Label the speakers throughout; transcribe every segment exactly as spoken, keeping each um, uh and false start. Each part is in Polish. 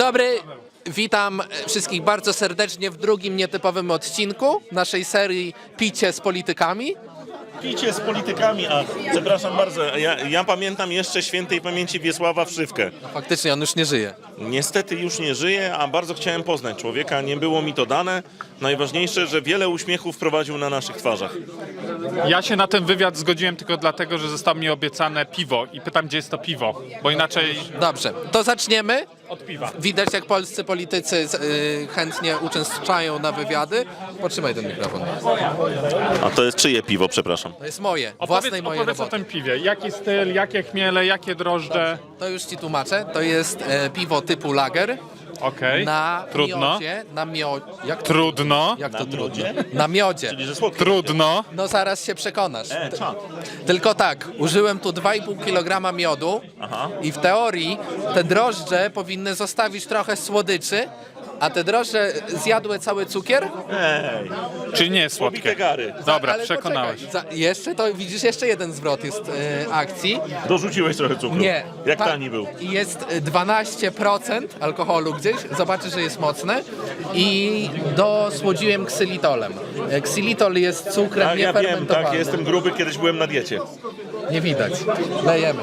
Speaker 1: dobry, witam wszystkich bardzo serdecznie w drugim nietypowym odcinku naszej serii Picie z politykami.
Speaker 2: Picie z politykami, a przepraszam bardzo, ja, ja pamiętam jeszcze świętej pamięci Wiesława Wszywkę.
Speaker 1: No, faktycznie on już nie żyje.
Speaker 2: Niestety już nie żyje, a bardzo chciałem poznać człowieka, nie było mi to dane. Najważniejsze, że wiele uśmiechów prowadził na naszych twarzach.
Speaker 3: Ja się na ten wywiad zgodziłem tylko dlatego, że zostało mi obiecane piwo i pytam, gdzie jest to piwo, bo inaczej
Speaker 1: Dobrze, to zaczniemy.
Speaker 3: od piwa.
Speaker 1: Widać, jak polscy politycy y, chętnie uczęszczają na wywiady. Potrzymaj ten mikrofon.
Speaker 2: A to jest czyje piwo, przepraszam?
Speaker 1: To jest moje,
Speaker 3: Opowiedz,
Speaker 1: własnej mojej
Speaker 3: opowiedz o
Speaker 1: roboty.
Speaker 3: tym piwie. Jaki styl, jakie chmiele, jakie drożdże?
Speaker 1: To już ci tłumaczę. To jest e, piwo typu lager.
Speaker 3: Okej,
Speaker 1: Na
Speaker 3: trudno.
Speaker 1: miodzie, na miodzie. Jak to,
Speaker 3: Trudno,
Speaker 1: jak to
Speaker 2: Na
Speaker 1: trudno?
Speaker 2: miodzie?
Speaker 1: Na miodzie.
Speaker 2: Czyli, że słodkie.
Speaker 3: trudno.
Speaker 1: No zaraz się przekonasz.
Speaker 2: E, czad.
Speaker 1: Tylko tak, użyłem tu dwa i pół kilograma miodu
Speaker 2: Aha.
Speaker 1: i w teorii te drożdże powinny zostawić trochę słodyczy, a te drożdże zjadły cały cukier.
Speaker 2: Ej,
Speaker 3: Czyli nie jest
Speaker 2: pobite
Speaker 3: słodkie.
Speaker 2: gary.
Speaker 3: Dobra,
Speaker 1: Ale
Speaker 3: przekonałeś.
Speaker 1: poczekaj, za, jeszcze to widzisz, jeszcze jeden zwrot jest e, akcji.
Speaker 2: Dorzuciłeś trochę cukru.
Speaker 1: Nie.
Speaker 2: Jak
Speaker 1: Ta-
Speaker 2: tani był.
Speaker 1: I jest dwanaście procent alkoholu gdzieś, zobaczysz, że jest mocne i dosłodziłem ksylitolem. E, Ksylitol jest cukrem
Speaker 2: Tak, ja wiem,
Speaker 1: niefermentowanym.
Speaker 2: tak, jestem gruby, kiedyś byłem na diecie.
Speaker 1: Nie widać. Lejemy.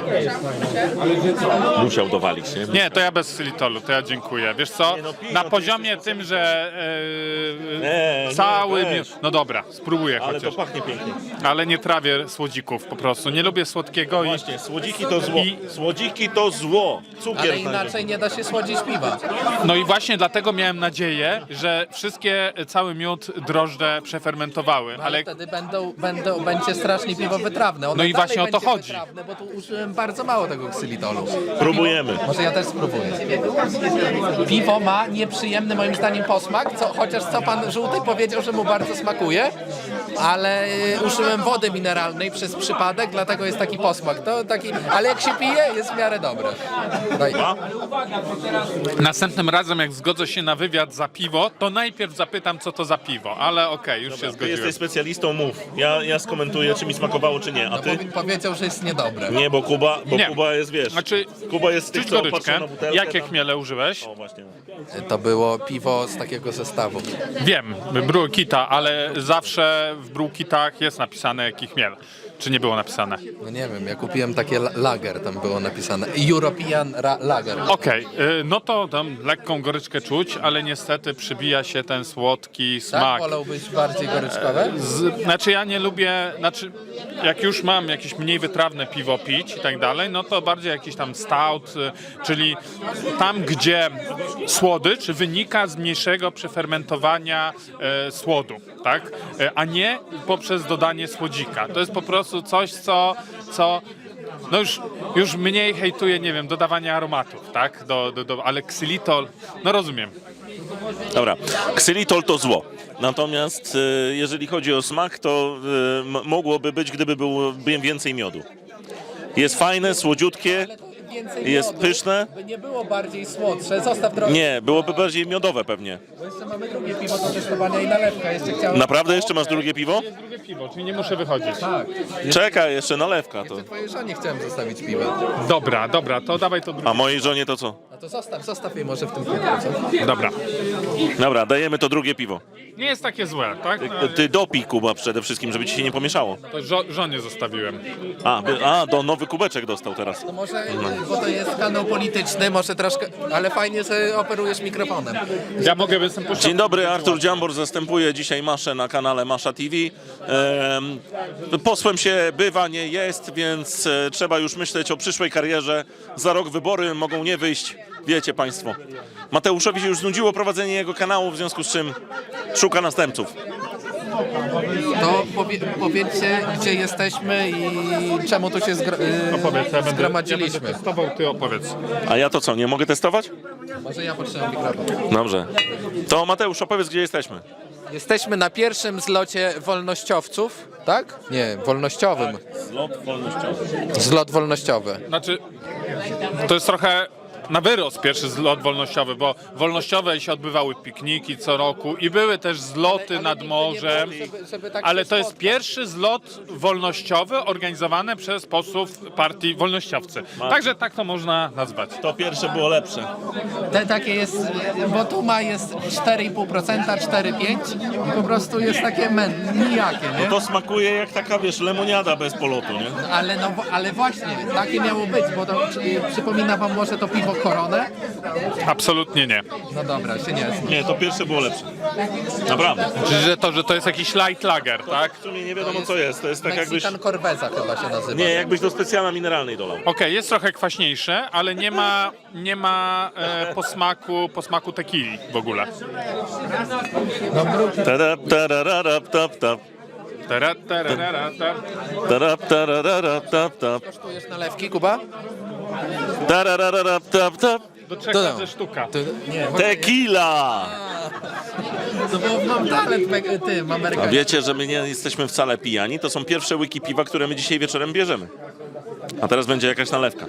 Speaker 2: Musiał dowalić, nie?
Speaker 3: Nie, to ja bez xylitolu, to ja dziękuję. Wiesz co,
Speaker 2: Nie, no piwo,
Speaker 3: na
Speaker 2: to
Speaker 3: poziomie
Speaker 2: jest-
Speaker 3: tym, że
Speaker 2: Nie,
Speaker 3: e,
Speaker 2: nie,
Speaker 3: cały...
Speaker 2: weź.
Speaker 3: mi- No dobra, spróbuję
Speaker 2: Ale to
Speaker 3: chociaż.
Speaker 2: pachnie pięknie.
Speaker 3: Ale nie trawię słodzików po prostu. Nie lubię słodkiego i...
Speaker 2: Właśnie, słodziki to zło.
Speaker 3: I-
Speaker 2: Słodziki to zło. Cukier
Speaker 1: Ale
Speaker 2: znajdę.
Speaker 1: inaczej nie da się słodzić piwa.
Speaker 3: No i właśnie dlatego miałem nadzieję, że wszystkie, cały miód, drożdże przefermentowały,
Speaker 1: Ale
Speaker 3: ale
Speaker 1: wtedy będą, będą, będzie strasznie piwo wytrawne. Ono
Speaker 3: No i
Speaker 1: dalej
Speaker 3: właśnie o to
Speaker 1: będzie
Speaker 3: chodzi.
Speaker 1: Wytrawne, bo tu użyłem bardzo mało tego ksylitolu.
Speaker 2: Próbujemy.
Speaker 1: Może ja też spróbuję. Piwo ma nieprzyjemny moim zdaniem posmak, co, chociaż co pan Żółty powiedział, że mu bardzo smakuje, ale y, użyłem wody mineralnej przez przypadek, dlatego jest taki posmak. To taki, ale jak się pije, jest w miarę dobre. Daj.
Speaker 3: następnym razem jak zgodzę się na wywiad za piwo, to najpierw zapytam, co to za piwo, ale okej, już się
Speaker 2: Ty
Speaker 3: zgodziłem.
Speaker 2: jesteś specjalistą, mów. Ja, ja skomentuję, czy mi smakowało, czy nie. A
Speaker 1: No,
Speaker 2: ty?
Speaker 1: powi- powiedział, że jest niedobre.
Speaker 2: Nie, bo Kuba, bo
Speaker 3: Nie.
Speaker 2: Kuba jest, wiesz,
Speaker 3: Znaczy,
Speaker 2: Kuba jest z tych,
Speaker 3: czuć
Speaker 2: co
Speaker 3: goryczkę.
Speaker 2: patrzą na butelkę.
Speaker 3: Jakie
Speaker 2: tam.
Speaker 3: chmiele użyłeś?
Speaker 2: O, właśnie.
Speaker 1: To było piwo z takiego zestawu.
Speaker 3: Wiem, Brewkita, ale zawsze w Brewkitach jest napisane jaki chmiel. Czy nie było napisane?
Speaker 1: No nie wiem, ja kupiłem takie la- lager, tam było napisane. European ra- Lager.
Speaker 3: Okej, y, no to tam lekką goryczkę czuć, ale niestety przybija się ten słodki
Speaker 1: Tak?
Speaker 3: smak.
Speaker 1: Wolałbyś bardziej goryczkowe?
Speaker 3: Z, znaczy ja nie lubię, znaczy jak już mam jakieś mniej wytrawne piwo pić i tak dalej, no to bardziej jakiś tam stout, y, czyli tam gdzie słodycz wynika z mniejszego przefermentowania e, słodu, tak? E, a nie poprzez dodanie słodzika. To jest po prostu coś, co, co no już, już mniej hejtuje, nie wiem, dodawanie aromatów, tak? Do, do, do, ale ksylitol, no rozumiem.
Speaker 2: Dobra, ksylitol to zło. Natomiast y, jeżeli chodzi o smak, to y, m- mogłoby być, gdyby było by więcej miodu. Jest fajne, słodziutkie.
Speaker 1: Więcej
Speaker 2: Jest
Speaker 1: miodu,
Speaker 2: pyszne?
Speaker 1: By nie było bardziej słodsze. Zostaw trochę.
Speaker 2: Nie, byłoby bardziej miodowe pewnie.
Speaker 1: Bo jeszcze mamy drugie piwo do testowania i nalewka. Jeszcze chciałem...
Speaker 2: Naprawdę jeszcze masz drugie piwo?
Speaker 3: Jest drugie piwo, czyli nie muszę wychodzić.
Speaker 1: Tak.
Speaker 2: Czekaj, jeszcze nalewka to.
Speaker 1: Twojej żonie chciałem zostawić piwo.
Speaker 3: Dobra, dobra, to dawaj to drugie.
Speaker 2: A mojej żonie to co?
Speaker 1: A to zostaw, zostaw jej może w tym piwie, co?
Speaker 3: Dobra.
Speaker 2: Dobra, dajemy to drugie piwo.
Speaker 3: Nie jest takie złe, tak? No,
Speaker 2: Ty dopij, Kuba, przede wszystkim, żeby ci się nie pomieszało.
Speaker 3: to żo żonie zostawiłem.
Speaker 2: A, by- a do nowy kubeczek dostał teraz.
Speaker 1: To może, bo to jest kanał polityczny, może troszkę, ale fajnie, że operujesz mikrofonem.
Speaker 3: Ja mogę występować.
Speaker 2: Dzień dobry, Artur Dziambor zastępuje dzisiaj Maszę na kanale Masza T V. Ehm, posłem się bywa, nie jest, więc e, trzeba już myśleć o przyszłej karierze. Za rok wybory mogą nie wyjść, wiecie państwo. Mateuszowi się już znudziło prowadzenie jego kanału, w związku z czym szuka następców.
Speaker 1: To powie, powiedzcie, gdzie jesteśmy i czemu tu się zgro, yy,
Speaker 3: Opowiedz, ja będę, ja będę
Speaker 1: zgromadziliśmy.
Speaker 3: testował, ty opowiedz.
Speaker 2: A ja to co, nie mogę testować?
Speaker 1: Może ja potrzebam mikrofon.
Speaker 2: Dobrze. To Mateusz, opowiedz, gdzie jesteśmy.
Speaker 1: Jesteśmy na pierwszym zlocie wolnościowców, tak? Nie, wolnościowym.
Speaker 2: Zlot wolnościowy.
Speaker 1: Zlot wolnościowy.
Speaker 3: Znaczy, to jest trochę na wyrost pierwszy zlot wolnościowy, bo wolnościowe się odbywały pikniki co roku i były też zloty nad morzem,
Speaker 1: Żeby, żeby tak
Speaker 3: ale
Speaker 1: się
Speaker 3: to jest
Speaker 1: spotkać.
Speaker 3: pierwszy zlot wolnościowy organizowany przez posłów partii wolnościowcy. Także tak to można nazwać.
Speaker 2: To pierwsze było lepsze.
Speaker 1: Te takie jest, bo tu ma jest cztery i pół procent, cztery pięć i po prostu jest takie men, nijakie, nie?
Speaker 2: To smakuje jak taka, wiesz, lemoniada bez polotu, nie?
Speaker 1: Ale, no, ale właśnie, takie miało być, bo to czy, przypomina wam może to piwo Koronę?
Speaker 3: Absolutnie nie.
Speaker 1: No dobra, się nie jest.
Speaker 2: Nie, to pierwsze było lepsze. Naprawdę.
Speaker 3: Czyli że to, że to jest jakiś light lager, tak?
Speaker 2: W sumie nie wiadomo co jest. To jest tak jakbyś...
Speaker 1: Mexican Corveza chyba się nazywa.
Speaker 2: Nie, jakbyś do specjala mineralnej dolał.
Speaker 3: Okej, jest trochę kwaśniejsze, ale nie ma, nie ma e, posmaku, posmaku tequili w ogóle.
Speaker 2: Tarap, tarararap, tap, tap.
Speaker 3: Tara, tara, tara, tara.
Speaker 2: Tarap, tarararap, tap, tap.
Speaker 1: Kosztujesz nalewki, Kuba?
Speaker 2: Tarararap, tap, tap.
Speaker 3: Do trzech
Speaker 1: To-
Speaker 3: razy sztuka.
Speaker 1: Ty, nie,
Speaker 2: Tequila!
Speaker 1: to bo mam talent me- tym
Speaker 2: A
Speaker 1: amerykańskim.
Speaker 2: wiecie, że my nie jesteśmy wcale pijani? To są pierwsze łyki piwa, które my dzisiaj wieczorem bierzemy. A teraz będzie jakaś nalewka.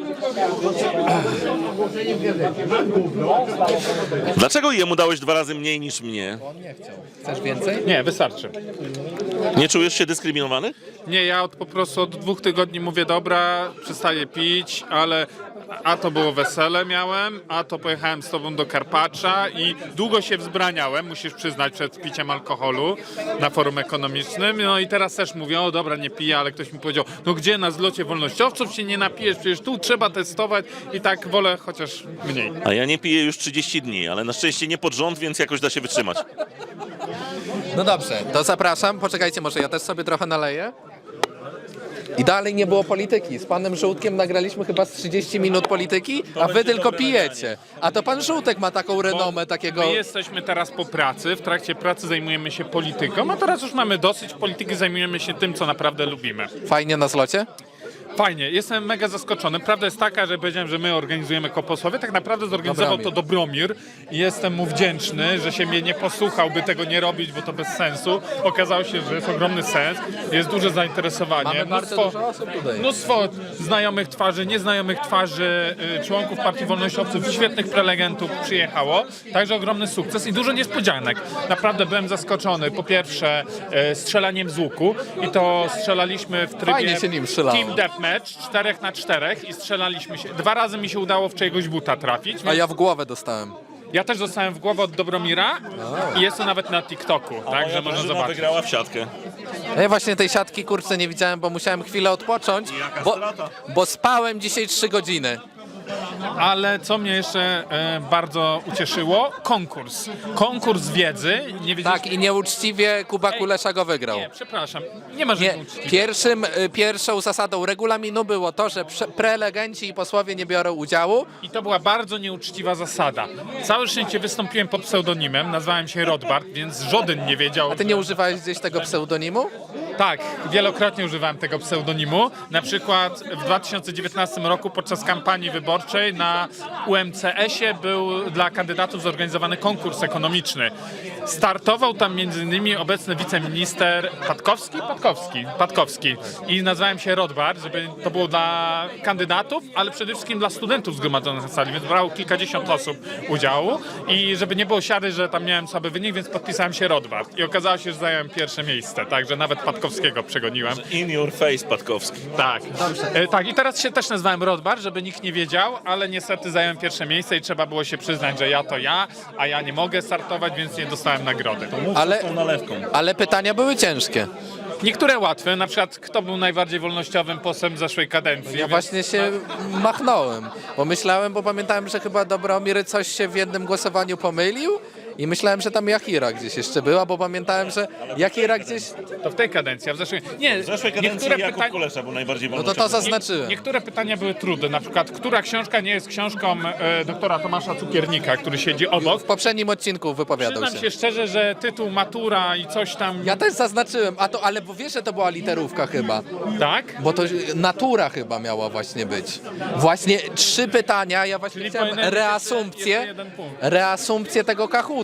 Speaker 2: Dlaczego jemu dałeś dwa razy mniej niż mnie?
Speaker 1: On nie chciał. Chcesz więcej?
Speaker 3: Nie, wystarczy.
Speaker 2: Nie czujesz się dyskryminowany?
Speaker 3: Nie, ja od, po prostu od dwóch tygodni mówię, dobra, przestaję pić, ale a to było wesele miałem, a to pojechałem z tobą do Karpacza i długo się wzbraniałem, musisz przyznać, przed piciem alkoholu na forum ekonomicznym. No i teraz też mówię, o dobra, nie piję, ale ktoś mi powiedział, no gdzie na zlocie wolnościowców się nie napijesz, przecież tu trzeba testować i tak wolę chociaż mniej.
Speaker 2: A ja nie piję już trzydzieści dni, ale na szczęście nie pod rząd, więc jakoś da się wytrzymać.
Speaker 1: No dobrze, to zapraszam. Poczekajcie, może ja też sobie trochę naleję. I dalej nie było polityki. Z panem Żółtkiem nagraliśmy chyba z trzydzieści minut polityki, a wy
Speaker 2: będzie
Speaker 1: tylko
Speaker 2: dobre
Speaker 1: pijecie. A to pan Żółtek ma taką renomę takiego...
Speaker 3: My jesteśmy teraz po pracy, w trakcie pracy zajmujemy się polityką, a teraz już mamy dosyć polityki, zajmujemy się tym, co naprawdę lubimy.
Speaker 1: Fajnie na zlocie?
Speaker 3: Fajnie, jestem mega zaskoczony. Prawda jest taka, że powiedziałem, że my organizujemy Koposłowie. Tak naprawdę zorganizował to Dobromir i jestem mu wdzięczny, że się mnie nie posłuchał, by tego nie robić, bo to bez sensu. Okazało się, że jest ogromny sens, jest duże zainteresowanie.
Speaker 1: Mamy bardzo dużo osób tutaj.
Speaker 3: Mnóstwo znajomych twarzy, nieznajomych twarzy, y, członków Partii Wolnościowców, świetnych prelegentów przyjechało. Także ogromny sukces i dużo niespodzianek. Naprawdę byłem zaskoczony. Po pierwsze y, strzelaniem z łuku i to strzelaliśmy w trybie
Speaker 1: Fajnie się nim strzelało.
Speaker 3: Team Deathmatch, czterech na czterech i strzelaliśmy się. Dwa razy mi się udało w czyjegoś buta trafić.
Speaker 1: A ja w głowę dostałem.
Speaker 3: Ja też dostałem w głowę od Dobromira i jest to nawet na TikToku, także można
Speaker 2: drużyna
Speaker 3: zobaczyć.
Speaker 2: wygrała w siatkę.
Speaker 1: Ja właśnie tej siatki kurczę nie widziałem, bo musiałem chwilę odpocząć,
Speaker 2: Jaka
Speaker 1: bo,
Speaker 2: strata.
Speaker 1: bo spałem dzisiaj trzy godziny.
Speaker 3: Ale co mnie jeszcze e, bardzo ucieszyło, konkurs. Konkurs wiedzy. Nie wiedzieliśmy...
Speaker 1: Tak, i nieuczciwie Kuba Kulesza go wygrał.
Speaker 3: Nie, przepraszam, nie ma
Speaker 1: Nie,
Speaker 3: żadnej uczciwie.
Speaker 1: pierwszym, y, pierwszą zasadą regulaminu było to, że prze- prelegenci i posłowie nie biorą udziału.
Speaker 3: I to była bardzo nieuczciwa zasada. Całe szczęście wystąpiłem pod pseudonimem, nazwałem się Rodbart, więc żaden nie wiedział.
Speaker 1: A ty nie używałeś gdzieś tego pseudonimu?
Speaker 3: Tak, wielokrotnie używałem tego pseudonimu. Na przykład w dwa tysiące dziewiętnastym roku podczas kampanii wyborczej na U M C S-ie był dla kandydatów zorganizowany konkurs ekonomiczny. Startował tam między innymi obecny wiceminister Patkowski, Patkowski, Patkowski. I nazwałem się Rodbart, żeby to było dla kandydatów, ale przede wszystkim dla studentów zgromadzonych na sali, więc brało kilkadziesiąt osób udziału i żeby nie było siary, że tam miałem słaby wynik, więc podpisałem się Rodbart. I okazało się, że zająłem pierwsze miejsce, także nawet Patkowskiego przegoniłem.
Speaker 2: In your face, Patkowski.
Speaker 3: Tak. E, tak, i teraz się też nazwałem Rodbar, żeby nikt nie wiedział, ale niestety zająłem pierwsze miejsce i trzeba było się przyznać, że ja to ja, a ja nie mogę startować, więc nie dostałem nagrody.
Speaker 1: Ale,
Speaker 2: Tą nalewką.
Speaker 1: ale pytania były ciężkie.
Speaker 3: Niektóre łatwe, na przykład kto był najbardziej wolnościowym posłem zeszłej kadencji.
Speaker 1: Ja
Speaker 3: więc-
Speaker 1: właśnie się machnąłem, bo myślałem, bo pamiętałem, że chyba Dobromir coś się w jednym głosowaniu pomylił i myślałem, że tam Jachira gdzieś jeszcze była, bo pamiętałem, że Jachira gdzieś...
Speaker 3: To w tej kadencji, a w zeszłej... Nie,
Speaker 2: W zeszłej kadencji
Speaker 3: niektóre
Speaker 2: Jakub
Speaker 3: pytania...
Speaker 2: Kulesza był najbardziej
Speaker 1: No to to
Speaker 2: wolnościowy.
Speaker 1: zaznaczyłem.
Speaker 3: Niektóre pytania były trudne, na przykład która książka nie jest książką e, doktora Tomasza Cukiernika, który siedzi obok.
Speaker 1: W poprzednim odcinku wypowiadał
Speaker 3: Przyznam
Speaker 1: się.
Speaker 3: się szczerze, że tytuł Matura i coś tam...
Speaker 1: Ja też zaznaczyłem, a to, ale bo wiesz, że to była literówka chyba,
Speaker 3: Tak?
Speaker 1: bo to natura chyba miała właśnie być. Właśnie trzy pytania, ja właśnie
Speaker 3: Czyli
Speaker 1: chciałem
Speaker 3: powinienem być
Speaker 1: reasumpcję,
Speaker 3: jeszcze jeden punkt.
Speaker 1: reasumpcję tego Kahoota.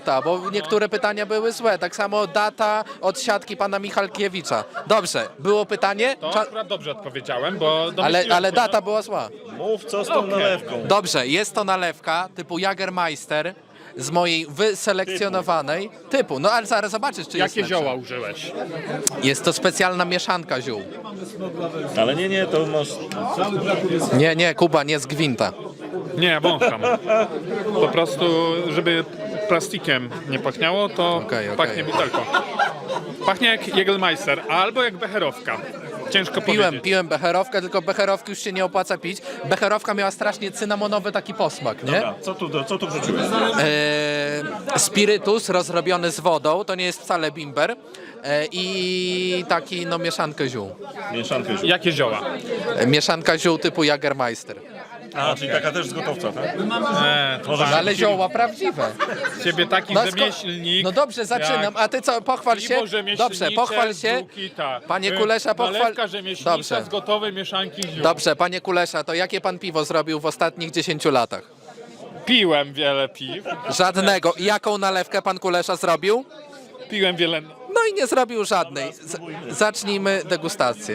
Speaker 1: minuta, bo niektóre pytania były złe. Tak samo data od siatki pana Michalkiewicza. Dobrze, było pytanie,
Speaker 3: To
Speaker 1: Cza-
Speaker 3: akurat dobrze odpowiedziałem, bo
Speaker 1: ale,
Speaker 3: domyśliłem
Speaker 1: ale
Speaker 3: się,
Speaker 1: data była zła.
Speaker 2: Mów, co z tą
Speaker 3: Okej.
Speaker 2: nalewką.
Speaker 1: Dobrze, jest to nalewka typu Jagermeister z mojej wyselekcjonowanej typu. No ale zaraz zobaczysz, czy jest
Speaker 3: Jakie
Speaker 1: lepsza.
Speaker 3: zioła użyłeś?
Speaker 1: Jest to specjalna mieszanka ziół.
Speaker 2: Ale nie, nie, to masz...
Speaker 1: Nie, nie, Kuba, nie z gwinta.
Speaker 3: Nie, wącham. Po prostu, żeby plastikiem nie pachniało, to
Speaker 1: Okej, okej.
Speaker 3: pachnie butelką. Pachnie jak Jägermeister albo jak becherowka. Ciężko
Speaker 1: Piłem,
Speaker 3: powiedzieć.
Speaker 1: piłem becherowkę, tylko becherowki już się nie opłaca pić. Becherowka miała strasznie cynamonowy taki posmak, nie?
Speaker 2: Dobra, co tu, co tu wrzuciłeś?
Speaker 1: E, spirytus rozrobiony z wodą, to nie jest wcale bimber. E, I taki, no, mieszankę ziół.
Speaker 2: Mieszankę ziół.
Speaker 3: Jakie zioła?
Speaker 1: E, mieszanka ziół typu Jagermeister.
Speaker 2: A, czyli taka też z gotowca, tak?
Speaker 3: E, to
Speaker 2: Może
Speaker 1: No, ale zioła prawdziwe.
Speaker 3: ciebie taki
Speaker 1: No, sko-
Speaker 3: rzemieślnik.
Speaker 1: no dobrze, zaczynam.
Speaker 3: jak
Speaker 1: A ty co, pochwal się?
Speaker 3: piwo rzemieślnicze
Speaker 1: Dobrze, pochwal
Speaker 3: z
Speaker 1: się.
Speaker 3: Żółkita.
Speaker 1: Panie
Speaker 3: Y,
Speaker 1: Kulesza, pochwal...
Speaker 3: Nalewka rzemieślnicza
Speaker 1: Dobrze.
Speaker 3: z gotowej mieszanki ziół.
Speaker 1: Dobrze, panie Kulesza, to jakie pan piwo zrobił w ostatnich dziesięciu latach?
Speaker 3: Piłem wiele piw.
Speaker 1: Żadnego. I jaką nalewkę pan Kulesza zrobił?
Speaker 3: Piłem wiele...
Speaker 1: No i nie zrobił żadnej. Z zacznijmy degustację.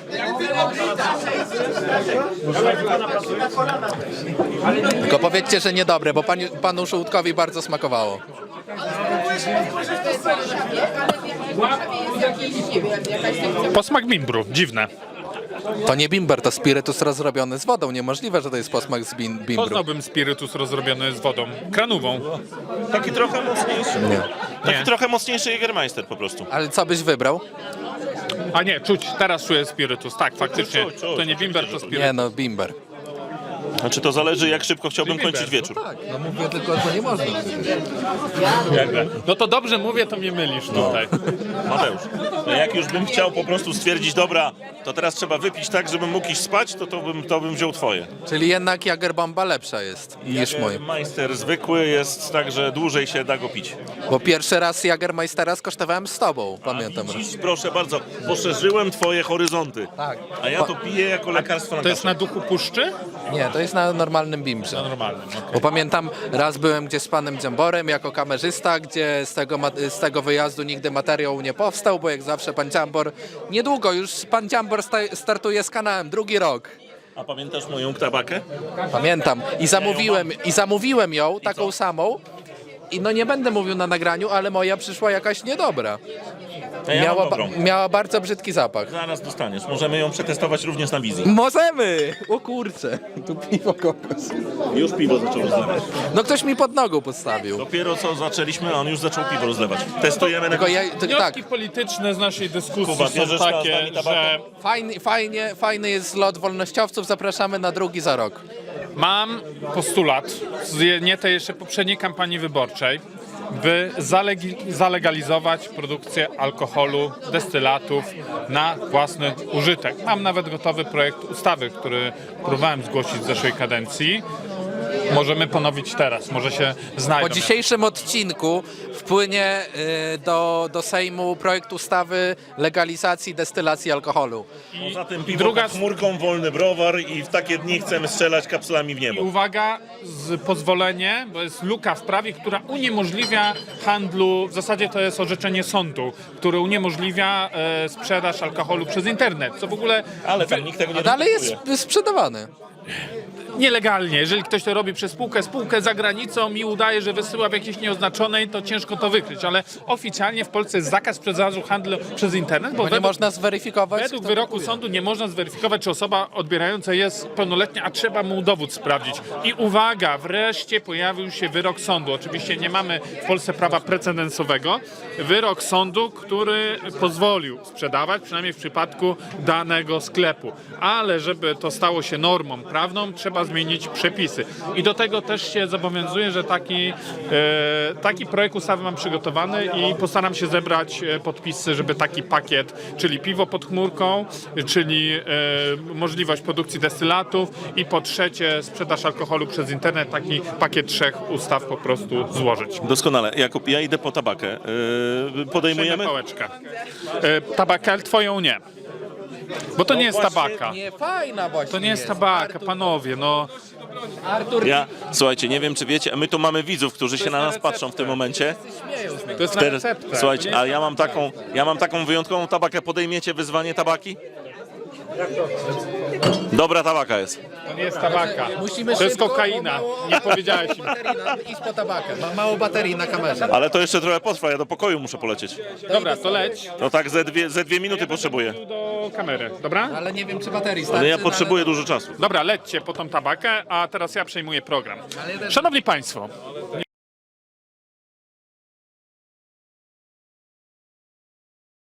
Speaker 1: Tylko powiedzcie, że niedobre, bo panu, panu Żółtkowi bardzo smakowało.
Speaker 3: Posmak bimbru. Dziwne.
Speaker 1: To nie bimber, to spirytus rozrobiony z wodą. Niemożliwe, że to jest posmak z bim bimbru.
Speaker 3: Poznałbym spirytus rozrobiony z wodą. Kranową.
Speaker 2: Taki trochę mocniejszy.
Speaker 1: Nie.
Speaker 2: Taki
Speaker 3: Nie.
Speaker 2: trochę mocniejszy Jägermeister po prostu.
Speaker 1: Ale co byś wybrał?
Speaker 3: A nie, czuć. Teraz czuję spirytus. Tak, faktycznie.
Speaker 2: Czuć, czuć,
Speaker 3: To nie bimber, to
Speaker 1: Nie
Speaker 3: spirytus.
Speaker 1: no, bimber.
Speaker 2: Znaczy to zależy, jak szybko chciałbym
Speaker 3: Bimber,
Speaker 2: kończyć wieczór.
Speaker 1: Tak, no mówię tylko, że nie można.
Speaker 3: No to dobrze mówię, to mnie mylisz tutaj.
Speaker 2: Mateusz, no jak już bym chciał po prostu stwierdzić, dobra, to teraz trzeba wypić tak, żebym mógł iść spać, to to bym, to bym wziął twoje.
Speaker 1: Czyli jednak Jagerbomba lepsza jest niż mój.
Speaker 2: Jägermeister zwykły jest tak, że dłużej się da go pić.
Speaker 1: Bo pierwszy raz Jagermeistera skosztowałem z tobą, pamiętam.
Speaker 2: Dziś, proszę bardzo, poszerzyłem twoje horyzonty.
Speaker 1: Tak.
Speaker 2: A ja to piję jako lekarstwo na
Speaker 3: To jest
Speaker 2: kaszel.
Speaker 3: na duchu puszczy?
Speaker 1: Nie, to jest na normalnym bimbrze.
Speaker 3: Na normalnym, okej.
Speaker 1: Bo pamiętam, raz byłem gdzieś z panem Dziamborem jako kamerzysta, gdzie z tego, ma- z tego wyjazdu nigdy materiał nie powstał, bo jak zawsze pan Dziambor, niedługo już pan Dziambor sta- startuje z kanałem, drugi rok.
Speaker 2: A pamiętasz moją tabakę?
Speaker 1: Pamiętam. I zamówiłem, i zamówiłem ją, taką samą. I no nie będę mówił na nagraniu, ale moja przyszła jakaś niedobra.
Speaker 2: Ja mam
Speaker 1: Miała, ba-
Speaker 2: dobrą.
Speaker 1: miała bardzo brzydki zapach.
Speaker 2: Zaraz dostaniesz. Możemy ją przetestować również na wizji.
Speaker 1: Możemy! O kurczę, tu piwo kokos.
Speaker 2: Już piwo zaczęło rozlewać.
Speaker 1: No ktoś mi pod nogą podstawił.
Speaker 2: Dopiero co zaczęliśmy, a on już zaczął piwo rozlewać. Testujemy na
Speaker 1: Tylko ja, to, tak,
Speaker 3: Wnioski polityczne z naszej dyskusji
Speaker 2: Kuba,
Speaker 3: są
Speaker 2: bierzesz z nami
Speaker 3: takie,
Speaker 2: tabakę?
Speaker 3: że
Speaker 1: fajny, fajnie, fajny jest zlot wolnościowców, zapraszamy na drugi za rok.
Speaker 3: mam postulat z nie tej jeszcze poprzedniej kampanii wyborczej, by zalegi- zalegalizować produkcję alkoholu, destylatów na własny użytek. Mam nawet gotowy projekt ustawy, który próbowałem zgłosić w zeszłej kadencji. Możemy ponowić teraz, może się znajdą.
Speaker 1: Po dzisiejszym odcinku wpłynie y, do, do Sejmu projekt ustawy legalizacji destylacji alkoholu.
Speaker 2: Poza tym piwo
Speaker 3: druga-
Speaker 2: pod chmurką, wolny browar i w takie dni chcemy strzelać kapsulami w
Speaker 3: I
Speaker 2: niebo.
Speaker 3: uwaga, z pozwolenie, bo jest luka w prawie, która uniemożliwia handlu, w zasadzie to jest orzeczenie sądu, które uniemożliwia e, sprzedaż alkoholu przez internet, co w ogóle
Speaker 2: Ale tam nikt tego nie
Speaker 1: A dalej
Speaker 2: respektuje.
Speaker 1: jest sprzedawany.
Speaker 3: nielegalnie. Jeżeli ktoś to robi przez spółkę, spółkę za granicą i udaje, że wysyła w jakiejś nieoznaczonej, to ciężko to wykryć, ale oficjalnie w Polsce jest zakaz sprzedaży handlu przez internet, bo,
Speaker 1: Bo nie
Speaker 3: według,
Speaker 1: można zweryfikować.
Speaker 3: według
Speaker 1: kto
Speaker 3: wyroku
Speaker 1: kupuje.
Speaker 3: sądu nie można zweryfikować, czy osoba odbierająca jest pełnoletnia, a trzeba mu dowód sprawdzić. I uwaga, wreszcie pojawił się wyrok sądu. Oczywiście nie mamy w Polsce prawa precedensowego. Wyrok sądu, który pozwolił sprzedawać, przynajmniej w przypadku danego sklepu. Ale żeby to stało się normą prawną, trzeba zmienić przepisy. I do tego też się zobowiązuję, że taki, e, taki projekt ustawy mam przygotowany i postaram się zebrać e, podpisy, żeby taki pakiet, czyli piwo pod chmurką, czyli e, możliwość produkcji destylatów i po trzecie sprzedaż alkoholu przez internet, taki pakiet trzech ustaw po prostu złożyć.
Speaker 2: Doskonale. Jakub, ja idę po tabakę. Yy, podejmujemy?
Speaker 3: Przejmę pałeczkę. E, tabakę twoją nie. Bo to nie jest
Speaker 2: właśnie
Speaker 3: tabaka.
Speaker 1: Nie, fajna właśnie
Speaker 3: To nie jest tabaka, panowie, no
Speaker 1: Artur,
Speaker 2: Ja, słuchajcie, nie wiem czy wiecie, my tu mamy widzów, którzy się na nas patrzą w tym momencie.
Speaker 1: śmieją z nas.
Speaker 3: To jest na
Speaker 2: Teraz,
Speaker 3: receptę.
Speaker 2: słuchajcie, a ja mam taką, ja mam taką wyjątkową tabakę. Podejmiecie wyzwanie tabaki? Dobra tabaka jest.
Speaker 3: To nie jest tabaka.
Speaker 1: Musimy
Speaker 3: To jest
Speaker 1: szybko,
Speaker 3: kokaina.
Speaker 1: bo mało-
Speaker 3: Nie powiedziałeś im.
Speaker 1: baterii na- Idź po tabakę. Ma mało baterii na kamerze.
Speaker 2: Ale to jeszcze trochę potrwa, ja do pokoju muszę polecieć.
Speaker 3: Dobra, to leć.
Speaker 2: No tak ze dwie, ze dwie minuty potrzebuję.
Speaker 3: Do kamery, dobra?
Speaker 1: Ale nie wiem, czy baterii starczy.
Speaker 2: Ale ja
Speaker 1: no,
Speaker 2: potrzebuję dużo czasu.
Speaker 3: Dobra, lećcie po tą tabakę, a teraz ja przejmuję program. Szanowni Państwo,